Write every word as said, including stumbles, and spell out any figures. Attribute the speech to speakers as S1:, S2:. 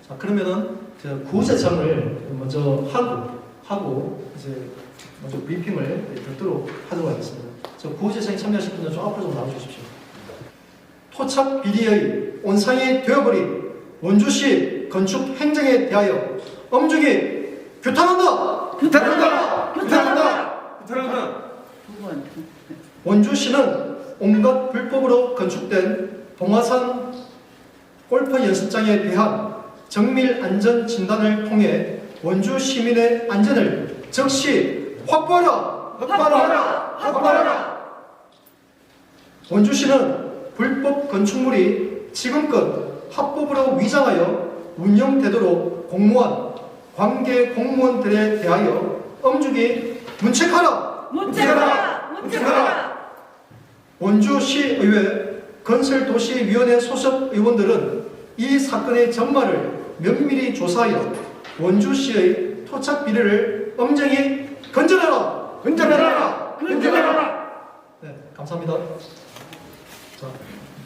S1: 자, 그러면은 구제청을 먼저 하고 하고 이제 먼저 브리핑을 듣도록 하도록 하겠습니다. 저 구제청에 참여하실 분들 좀 앞으로 좀 나와주십시오. 토착 비리의 온상이 되어버린 원주시 건축 행정에 대하여 엄중히 규탄한다.
S2: 규탄한다. 규탄한다. 규탄한다.
S1: 원주시는 온갖 불법으로 건축된 동화산 골프 연습장에 대한 정밀 안전 진단을 통해 원주 시민의 안전을 즉시 확보하라!
S2: 확보하라. 확보하라.
S1: 원주시는 불법 건축물이 지금껏 합법으로 위장하여 운영되도록 공무원, 관계 공무원들에 대하여 엄중히 문책하라!
S2: 문책하라. 문책하라.
S1: 원주시의회 건설도시위원회 소속 의원들은 이 사건의 전말을 면밀히 조사하여 원주시의 토착 비리를 엄정히 건전하라!
S2: 건전하라. 건전하라.
S1: 네, 감사합니다. 자,